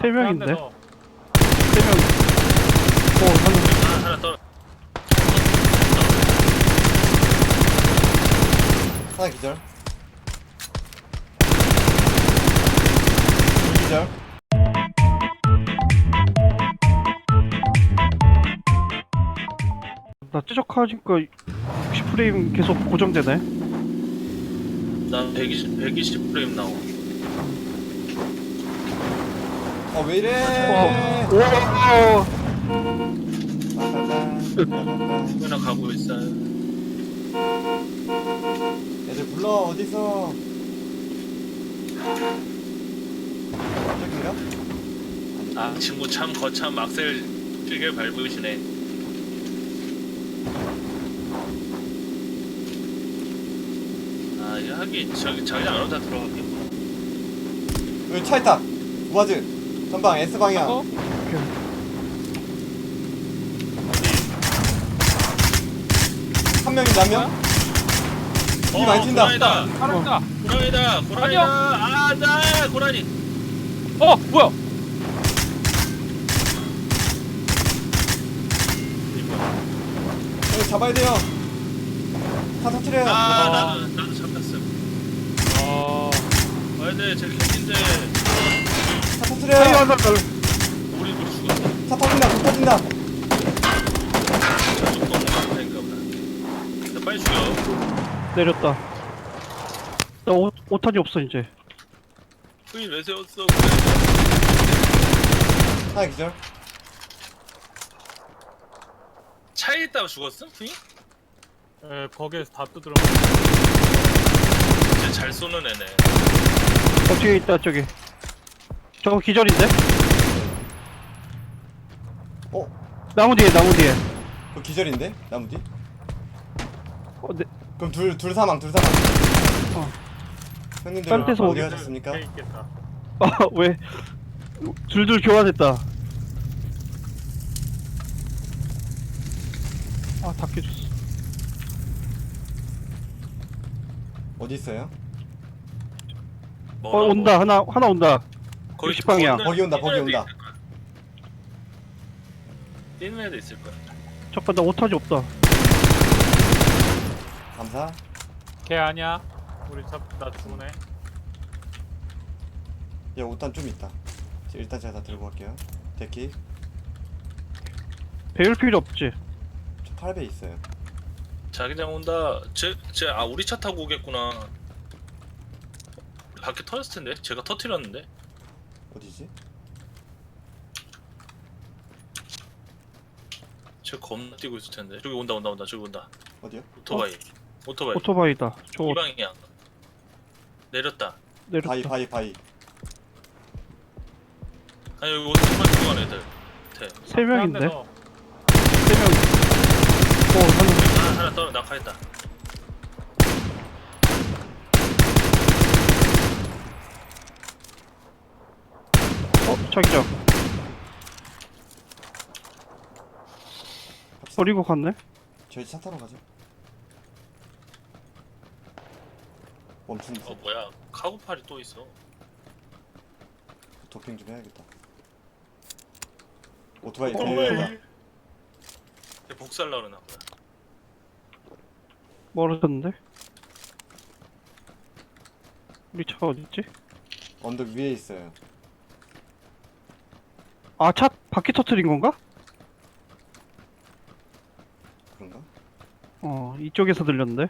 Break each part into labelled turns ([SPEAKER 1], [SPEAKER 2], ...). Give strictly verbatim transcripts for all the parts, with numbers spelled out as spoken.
[SPEAKER 1] 세 명인데?
[SPEAKER 2] 한 대 더.
[SPEAKER 1] 세 명. 어, 한
[SPEAKER 3] 하나, 하나 떨어.
[SPEAKER 4] 하나 기절. 기절.
[SPEAKER 1] 나 찌적하니까 육십 프레임 계속 고정되네.
[SPEAKER 3] 나 백이십, 백이십 프레임 나와.
[SPEAKER 4] 어, 왜 이래?
[SPEAKER 1] 오,
[SPEAKER 3] 누구나 가고 있어요.
[SPEAKER 4] 애들 불러, 어디서? 저긴가?
[SPEAKER 3] 아, 친구 참 거참 악셀 길게 밟으시네. 아, 이 하긴 저기 자기장 안으로 다 들어갔겠구나.
[SPEAKER 4] 여기 차 있다. 우아즈. 전방 S 방향.
[SPEAKER 2] 어?
[SPEAKER 4] 한 명인데 한 명? 이 많이 튄다.
[SPEAKER 3] 고라니다,
[SPEAKER 2] 살았다.
[SPEAKER 3] 고라니다, 고라니다. 아, 나 고라니.
[SPEAKER 2] 어, 뭐야?
[SPEAKER 3] 이거.
[SPEAKER 4] 여기 잡아야 돼요. 차 터트려요.
[SPEAKER 3] 아, 나도 나도 잡혔어.
[SPEAKER 2] 어,
[SPEAKER 3] 와야 돼, 제 캔인데
[SPEAKER 4] 차
[SPEAKER 1] 아유,
[SPEAKER 4] 터트려요.
[SPEAKER 1] 안 나,
[SPEAKER 3] 우리 우리 죽었어.
[SPEAKER 4] 차 터진다. 불 터진다.
[SPEAKER 3] 저쪽 동네 인가 보다. 나 빨리 죽여.
[SPEAKER 1] 내렸다. 나 오, 오탄이 없어, 이제.
[SPEAKER 3] 후인 왜 세웠어?
[SPEAKER 4] 하나 기절.
[SPEAKER 3] 차에 있다가 죽었어? 후인?
[SPEAKER 2] 에, 거기에서 다 두드려.
[SPEAKER 3] 진짜 잘 쏘는 애네.
[SPEAKER 1] 어, 뒤에 있다, 저기. 저거 기절인데?
[SPEAKER 4] 어?
[SPEAKER 1] 나무 뒤에, 나무 뒤에.
[SPEAKER 4] 그 기절인데? 나무 뒤?
[SPEAKER 1] 어, 네.
[SPEAKER 4] 그럼 둘, 둘 사망, 둘 사망.
[SPEAKER 1] 어.
[SPEAKER 4] 형님들
[SPEAKER 1] 딴 데서
[SPEAKER 4] 어디
[SPEAKER 1] 오겠-
[SPEAKER 4] 가셨습니까?
[SPEAKER 2] 돼 있겠다.
[SPEAKER 1] 아, 왜? 둘둘 교환했다. 아, 다 깨졌어.
[SPEAKER 4] 어디 있어요?
[SPEAKER 1] 어, 온다. 하나, 하나 온다.
[SPEAKER 3] 거기
[SPEAKER 1] 육십 방향.
[SPEAKER 4] 거기 온다, 거기 온다.
[SPEAKER 3] 뛰는 애도 있을 거야.
[SPEAKER 1] 잠깐, 나 오탄이 없다.
[SPEAKER 4] 감사.
[SPEAKER 2] 걔 아니야. 우리 잡, 나 죽네.
[SPEAKER 4] 얘 옷단 좀 있다. 일단 제가 다 들고 갈게요. 데키.
[SPEAKER 1] 배울 필요 없지.
[SPEAKER 4] 저 팔 배 있어요.
[SPEAKER 3] 자기장 온다. 제, 제, 아, 우리 차 타고 오겠구나. 밖에 터졌을 텐데? 제가 터트렸는데?
[SPEAKER 4] 어디지?
[SPEAKER 3] 쟤 겁나 뛰고 있을 텐데. 저기 온다, 온다, 온다. 저기 온다.
[SPEAKER 4] 어디요?
[SPEAKER 3] 오토바이. 오토바이.
[SPEAKER 1] 오토바이다. 저
[SPEAKER 3] 이 방향. 내렸다.
[SPEAKER 1] 내렸다.
[SPEAKER 4] 바이, 바이, 바이.
[SPEAKER 3] 아니, 여기 오토바이 들어간 애들. 대.
[SPEAKER 1] 세 명인데?
[SPEAKER 2] 한 대 더.
[SPEAKER 1] 세 명. 어, 하나.
[SPEAKER 3] 하나, 하나 떨어, 낙하했다.
[SPEAKER 1] 어, 자기장. 버리고 갔네?
[SPEAKER 4] 저희 차 타러 가죠. 멈춘
[SPEAKER 3] 어, 뭐야. 카고팔이 또 있어.
[SPEAKER 4] 도핑 좀 해야겠다. 오토바이
[SPEAKER 3] 어,
[SPEAKER 4] 들려다.
[SPEAKER 3] 걔 복살라 그러나 보다.
[SPEAKER 1] 멀어졌는데? 우리 차가 어딨지?
[SPEAKER 4] 언덕 위에 있어요.
[SPEAKER 1] 아, 차 바퀴 터트린 건가?
[SPEAKER 4] 그런가?
[SPEAKER 1] 어, 이쪽에서 들렸는데?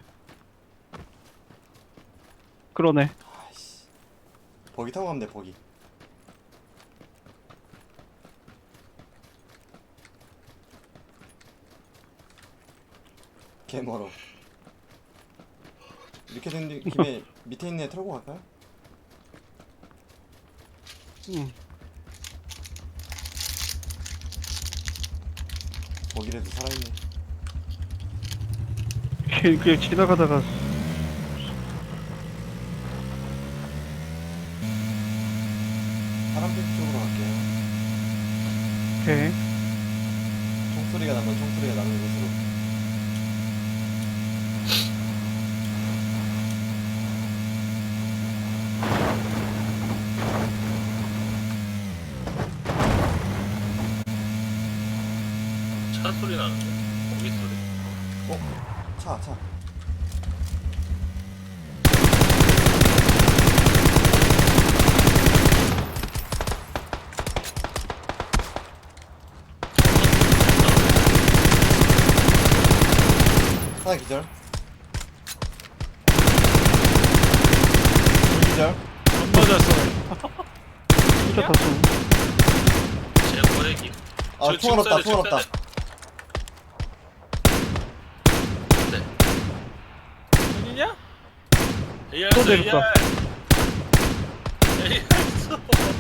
[SPEAKER 1] 그러네.
[SPEAKER 4] 아이씨. 버기 타고 가면 돼, 버기. 개 멀어. 이렇게 된 김에 밑에 있는 애 털고 갈까요?
[SPEAKER 1] 응.
[SPEAKER 4] 버기라도 살아있네.
[SPEAKER 1] 그냥, 그냥 지나가다가
[SPEAKER 4] 파란빛 쪽으로 갈게요.
[SPEAKER 1] 오케이.
[SPEAKER 4] 총소리가 나면 총소리가 나는 곳으로.
[SPEAKER 3] 차 소리 나는데? 공기 소리?
[SPEAKER 4] 차, 차. 하나 기절. 둘 기절.
[SPEAKER 2] 안 맞았어.
[SPEAKER 1] 진짜 다 쏘.
[SPEAKER 3] 제 거래기.
[SPEAKER 4] 아,
[SPEAKER 3] 저
[SPEAKER 4] 총 알았다,
[SPEAKER 3] 지금
[SPEAKER 4] 총
[SPEAKER 3] 쏴야
[SPEAKER 4] 알았다.
[SPEAKER 3] 돼,
[SPEAKER 2] 아니냐?
[SPEAKER 3] 에이알
[SPEAKER 1] 또
[SPEAKER 3] 써,
[SPEAKER 1] 내렸다.
[SPEAKER 3] 에이알. 에이알 써.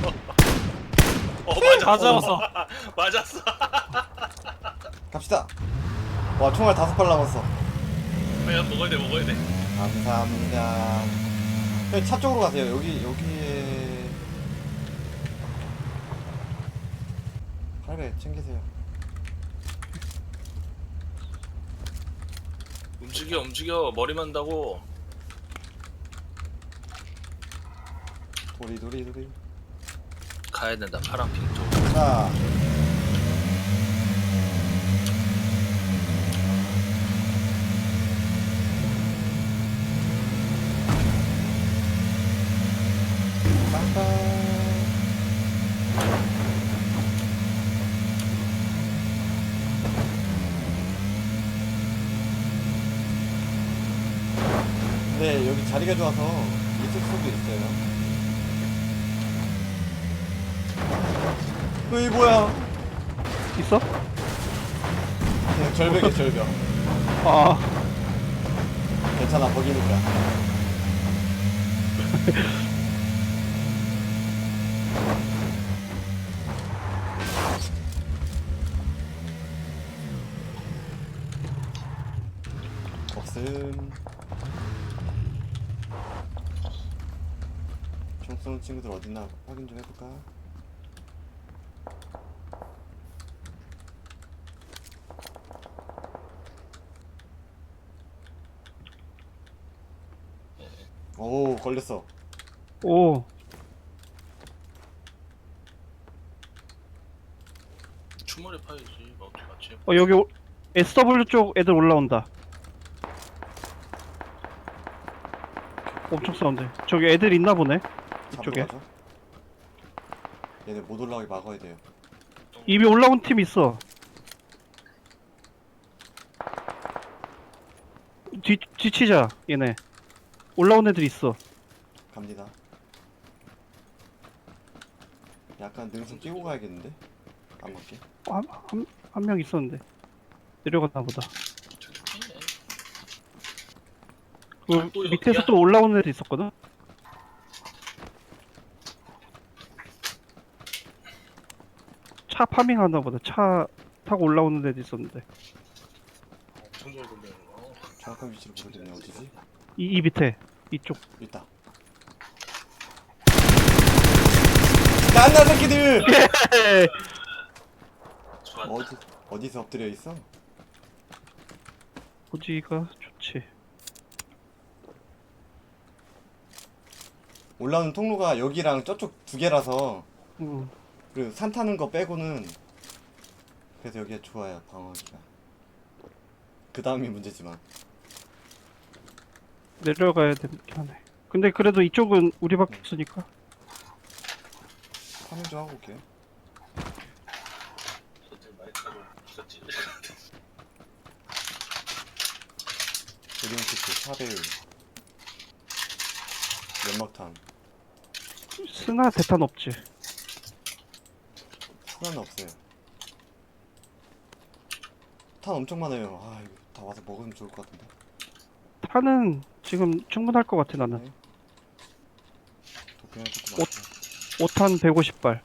[SPEAKER 3] 어, 맞았어.
[SPEAKER 2] 다 잡았어.
[SPEAKER 3] 맞았어.
[SPEAKER 4] 갑시다. 와, 총알 다섯 발 남았어.
[SPEAKER 3] 그냥 먹어야 돼, 먹어야 돼.
[SPEAKER 4] 감사합니다. 형님 차 쪽으로 가세요. 여기 여기에 팔배 챙기세요.
[SPEAKER 3] 움직여, 움직여. 머리 만다고.
[SPEAKER 4] 도리 도리 도리.
[SPEAKER 3] 가야 된다, 파랑핑 쪽.
[SPEAKER 4] 자, 빰빰. 네, 여기 자리가 좋아서 있을 수도 있어요. 어이 뭐야?
[SPEAKER 1] 있어?
[SPEAKER 4] 그냥 절벽이야 절벽.
[SPEAKER 1] 아,
[SPEAKER 4] 괜찮아 거기니까. 없음. 총 쏘는 친구들 어딨나 확인 좀 해볼까? 오 걸렸어.
[SPEAKER 1] 오,
[SPEAKER 3] 추모를 파야지. 어떻게 같이 해?
[SPEAKER 1] 어 여기 오- 에스더블유 쪽 애들 올라온다. 엄청 싸운데. 저기 애들 있나 보네. 이쪽에.
[SPEAKER 4] 잡으러 가죠. 얘네 못 올라가게 막아야 돼요.
[SPEAKER 1] 이미 올라온 팀 있어. 뒤 뒤치자 얘네. 올라온 애들 있어.
[SPEAKER 4] 갑니다. 약간 능선 끼고 가야겠는데? 안 맞게.
[SPEAKER 1] 한한 한 명 있었는데 내려갔나 보다. 그
[SPEAKER 3] 또
[SPEAKER 1] 밑에서
[SPEAKER 3] 여기야?
[SPEAKER 1] 또 올라온 애들 있었거든. 차 파밍하나 보다. 차 타고 올라오는 애들 있었는데.
[SPEAKER 3] 엄청 잘 돌리는 거.
[SPEAKER 4] 정확한 위치를 모르겠네. 어디지?
[SPEAKER 1] 이, 이 밑에 이쪽.
[SPEAKER 4] 있다. 깐나 새끼들!
[SPEAKER 3] 좋았다.
[SPEAKER 4] 어디 어디서 엎드려 있어?
[SPEAKER 1] 어디가 좋지.
[SPEAKER 4] 올라오는 통로가 여기랑 저쪽 두 개라서
[SPEAKER 1] 응.
[SPEAKER 4] 그리고 산 타는 거 빼고는 그래서 여기가 좋아요 방어하기가. 그 다음이 문제지만.
[SPEAKER 1] 내려가야 되긴 하네. 근데 그래도 이쪽은 우리밖에 없으니까.
[SPEAKER 4] 파밍 좀 하고 올게요.
[SPEAKER 3] 저들 마이크로 부서지.
[SPEAKER 4] 조림키트, 샤벨, 연막탄.
[SPEAKER 1] 스나 대탄 없지.
[SPEAKER 4] 하나는 없어요. 탄 엄청 많아요. 아 이거 다 와서 먹으면 좋을 것 같은데.
[SPEAKER 1] 탄은 지금 충분할 것 같아 나는.
[SPEAKER 4] 네. 도핑할 것도
[SPEAKER 1] 옷.
[SPEAKER 4] 많고.
[SPEAKER 1] 오 탄 백오십 발.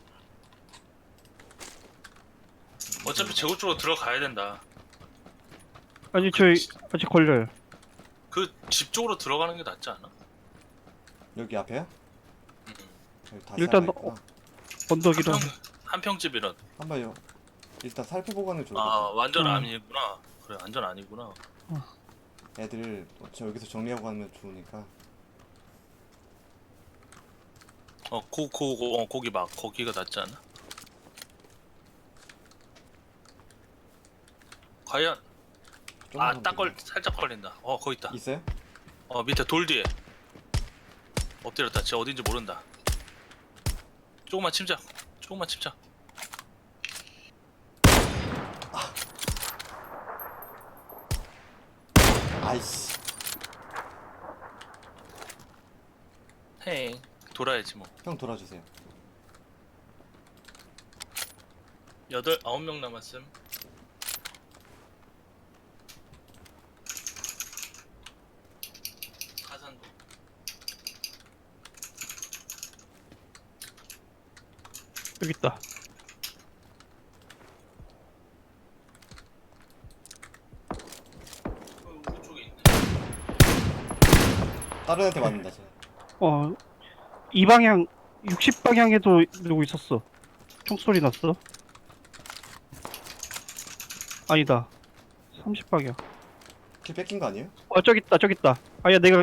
[SPEAKER 3] 어차피 제고 쪽으로 들어가야 된다.
[SPEAKER 1] 아니 저희 아직 걸려요.
[SPEAKER 3] 그 집 쪽으로 들어가는 게 낫지 않아?
[SPEAKER 4] 여기 앞에요?
[SPEAKER 3] 응.
[SPEAKER 4] 여기 다
[SPEAKER 1] 일단
[SPEAKER 4] 살아있구나.
[SPEAKER 1] 언덕이라.
[SPEAKER 3] 한평 한평집이라.
[SPEAKER 4] 한번 요 일단 살펴보고 가는 게 좋을 것
[SPEAKER 3] 아
[SPEAKER 4] 같아.
[SPEAKER 3] 완전
[SPEAKER 1] 응.
[SPEAKER 3] 아니구나. 그래 완전 아니구나.
[SPEAKER 4] 애들 저 여기서 정리하고 가면 좋으니까.
[SPEAKER 3] 어고고 어, 거기 막 거기가 낫지 않아? 과연
[SPEAKER 4] 좀만
[SPEAKER 3] 아 딱 걸
[SPEAKER 4] 더
[SPEAKER 3] 살짝 걸린다. 어 거기 있다.
[SPEAKER 4] 있어요?
[SPEAKER 3] 어 밑에 돌 뒤에 엎드렸다. 진짜 어딘지 모른다. 조금만 침착. 조금만 침착.
[SPEAKER 4] 아이씨.
[SPEAKER 3] 헤이 돌아야지 뭐.
[SPEAKER 4] 형 돌아주세요.
[SPEAKER 3] 여덟 아홉 명 남았음. 가산도.
[SPEAKER 1] 여기 있다.
[SPEAKER 3] 어, 우리 쪽에 있네.
[SPEAKER 4] 다른 애한테 맞는다 쟤.
[SPEAKER 1] 어, 이 방향, 육십 방향에도 누구 있었어. 총소리 났어. 아니다. 삼십 방향.
[SPEAKER 4] 킬 뺏긴 거 아니에요?
[SPEAKER 1] 어, 저기 있다, 저기 있다. 아야, 내가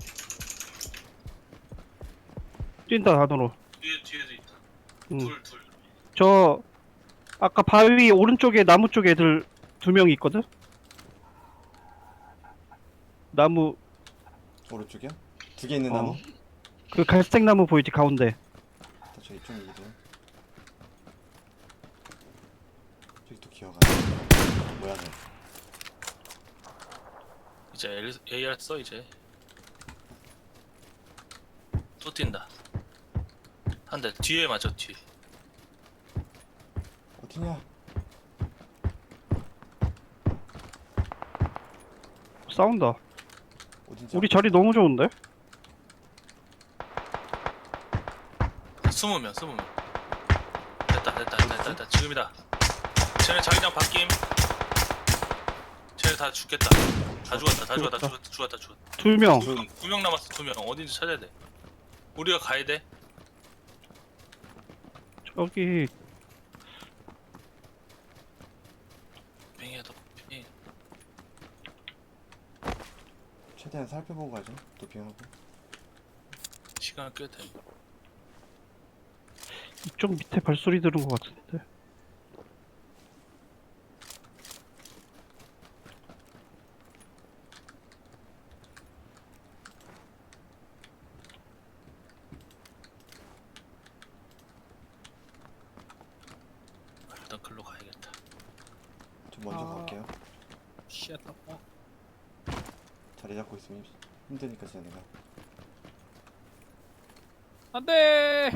[SPEAKER 1] 뛴다, 안으로.
[SPEAKER 3] 뒤에 뒤에도 있다.
[SPEAKER 1] 응.
[SPEAKER 3] 둘 둘.
[SPEAKER 1] 저 아까 바위 오른쪽에 나무 쪽에 애들 두 명이 있거든. 나무
[SPEAKER 4] 오른쪽이요? 두 개 있는
[SPEAKER 1] 어.
[SPEAKER 4] 나무?
[SPEAKER 1] 그 갈색 나무 보이지 가운데.
[SPEAKER 4] 저 이쪽 이동. 저기 또 기어가. 뭐야 너?
[SPEAKER 3] 이제 에이알 써 이제. 또 뛴다. 한 대 뒤에 맞아 뒤.
[SPEAKER 4] 어디냐?
[SPEAKER 1] 싸운다.
[SPEAKER 4] 어딘지.
[SPEAKER 1] 우리 자리 너무 좋은데?
[SPEAKER 3] 스무 명 스무 명. 됐다 됐다 됐다 됐다, 됐다. 지금이다. 쟤네 자기장 바뀜. 쟤네 다 죽겠다. 다 죽었다 다 죽었다
[SPEAKER 1] 죽었다.
[SPEAKER 3] 죽었다 죽었다 죽었다.
[SPEAKER 1] 두 명.
[SPEAKER 4] 두-
[SPEAKER 3] 두 명 남았어 두 명. 어딘지 찾아야 돼. 우리가 가야 돼.
[SPEAKER 1] 저기
[SPEAKER 3] 빙이야 더 빙.
[SPEAKER 4] 최대한 살펴보고 가죠. 도핑하고.
[SPEAKER 3] 시간을 꽤 돼.
[SPEAKER 1] 이쪽 밑에 발소리 들은 것 같은데.
[SPEAKER 3] 일단 글로 가야겠다.
[SPEAKER 4] 저 먼저
[SPEAKER 2] 아.
[SPEAKER 4] 갈게요.
[SPEAKER 2] 씨 아깝다.
[SPEAKER 4] 자리 잡고 있으면 힘드니까 쟤네가.
[SPEAKER 2] 안돼.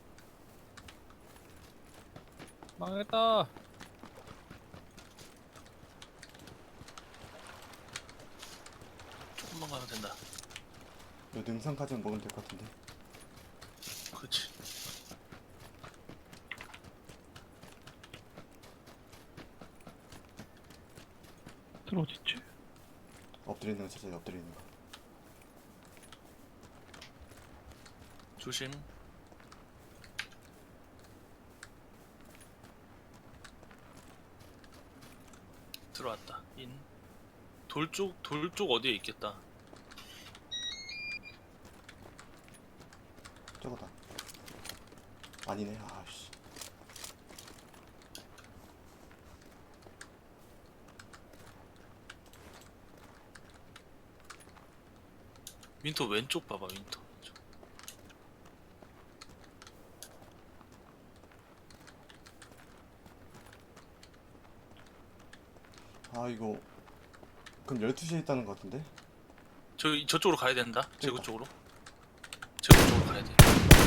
[SPEAKER 2] 망했다.
[SPEAKER 3] 조금만 가면 된다.
[SPEAKER 4] 요 능선까지는 먹으면 될 것 같은데.
[SPEAKER 3] 그렇지.
[SPEAKER 1] 들 어딨지?
[SPEAKER 4] 엎드려 있는 거 찾아요. 엎드려 있는 거.
[SPEAKER 3] 조심. 들어왔다. 인. 돌 쪽, 돌 쪽 어디에 있겠다.
[SPEAKER 4] 저거다. 아니네. 아씨.
[SPEAKER 3] 윈터 왼쪽 봐봐, 윈터. 왼쪽.
[SPEAKER 4] 아 이거 그럼 열두 시에 있다는 것 같은데?
[SPEAKER 3] 저, 저쪽으로 가야 된다. 제구
[SPEAKER 4] 그러니까.
[SPEAKER 3] 쪽으로. 제구 쪽으로 가야 돼.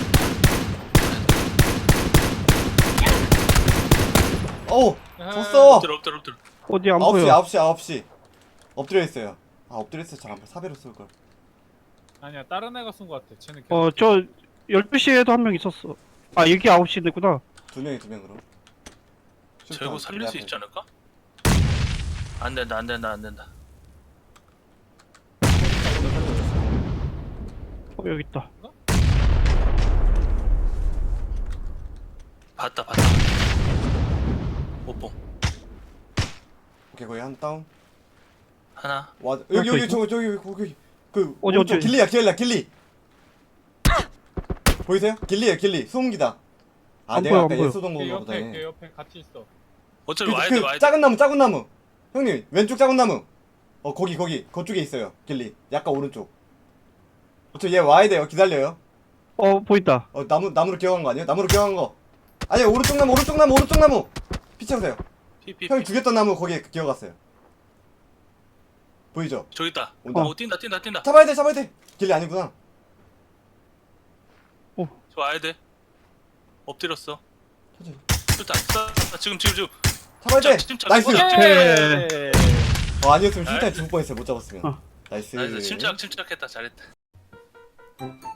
[SPEAKER 4] 어우!
[SPEAKER 2] 아,
[SPEAKER 4] 졌어!
[SPEAKER 3] 엎드려, 엎드려, 엎드려.
[SPEAKER 1] 어디 안
[SPEAKER 4] 아홉 시
[SPEAKER 1] 보여.
[SPEAKER 4] 아홉 시 아홉 시 엎드려 있어요. 아 엎드려 있어 잘 안 보여. 사배로 쏠걸.
[SPEAKER 2] 아니야 다른 애가 쏜 것 같아. 쟤는 계속
[SPEAKER 1] 어, 저 열두 시에도 한 명 있었어. 아, 여기 아홉 시구나.
[SPEAKER 4] 두 명이 두 명으로.
[SPEAKER 3] 제구 살릴 수 있지 않을까? 안 된다, 안 된다, 안 된다.
[SPEAKER 1] 어, 여기 있다.
[SPEAKER 3] 봤다, 봤다. 오뽕.
[SPEAKER 4] 오케이 거기 한 다운.
[SPEAKER 3] 하나.
[SPEAKER 4] 와 여기
[SPEAKER 1] 또
[SPEAKER 4] 여기
[SPEAKER 1] 있어?
[SPEAKER 4] 저기 저기 거기 그
[SPEAKER 1] 어디,
[SPEAKER 4] 오른쪽
[SPEAKER 1] 어디?
[SPEAKER 4] 길리야 길리야 길리. 보이세요? 길리야 길리. 소음기다. 아
[SPEAKER 1] 안
[SPEAKER 4] 내가
[SPEAKER 1] 보여,
[SPEAKER 4] 아까
[SPEAKER 1] 안 보여.
[SPEAKER 4] 얘 쏘던
[SPEAKER 2] 걔
[SPEAKER 4] 건가
[SPEAKER 2] 옆에 걔
[SPEAKER 4] 보다네.
[SPEAKER 2] 옆에 같이 있어.
[SPEAKER 3] 어차피
[SPEAKER 4] 그,
[SPEAKER 3] 와야
[SPEAKER 4] 그
[SPEAKER 3] 돼, 와야 돼.
[SPEAKER 4] 작은 나무 작은 나무. 형님 왼쪽 작은 나무. 어 거기 거기 그쪽에 있어요. 길리 약간 오른쪽. 저 얘 와야 돼요. 기다려요.
[SPEAKER 1] 어 보인다.
[SPEAKER 4] 어 나무 나무로 기어간 거 아니에요? 나무로 기어간 거. 아니야 오른쪽 나무 오른쪽 나무 오른쪽 나무. 피 채우세요.
[SPEAKER 3] 피피
[SPEAKER 4] 형이 죽였던 나무 거기에 기어갔어요. 보이죠?
[SPEAKER 3] 저기 있다.
[SPEAKER 4] 온다.
[SPEAKER 3] 오 뛴다 뛴다 뛴다.
[SPEAKER 4] 잡아야 돼 잡아야 돼. 길리 아니구나.
[SPEAKER 3] 저 와야 돼. 엎드렸어.
[SPEAKER 4] 천천히.
[SPEAKER 3] 일단 쏴. 지금 지금 지금.
[SPEAKER 4] 잡아야 돼.
[SPEAKER 3] 침착,
[SPEAKER 4] 나이스.
[SPEAKER 3] 침착.
[SPEAKER 2] 예.
[SPEAKER 4] 어 아니었으면 슈타에
[SPEAKER 3] 나이스.
[SPEAKER 4] 죽을 뻔했어요. 못 잡았으면.
[SPEAKER 1] 어.
[SPEAKER 4] 나이스.
[SPEAKER 3] 나이스. 침착 침착했다. 잘했다.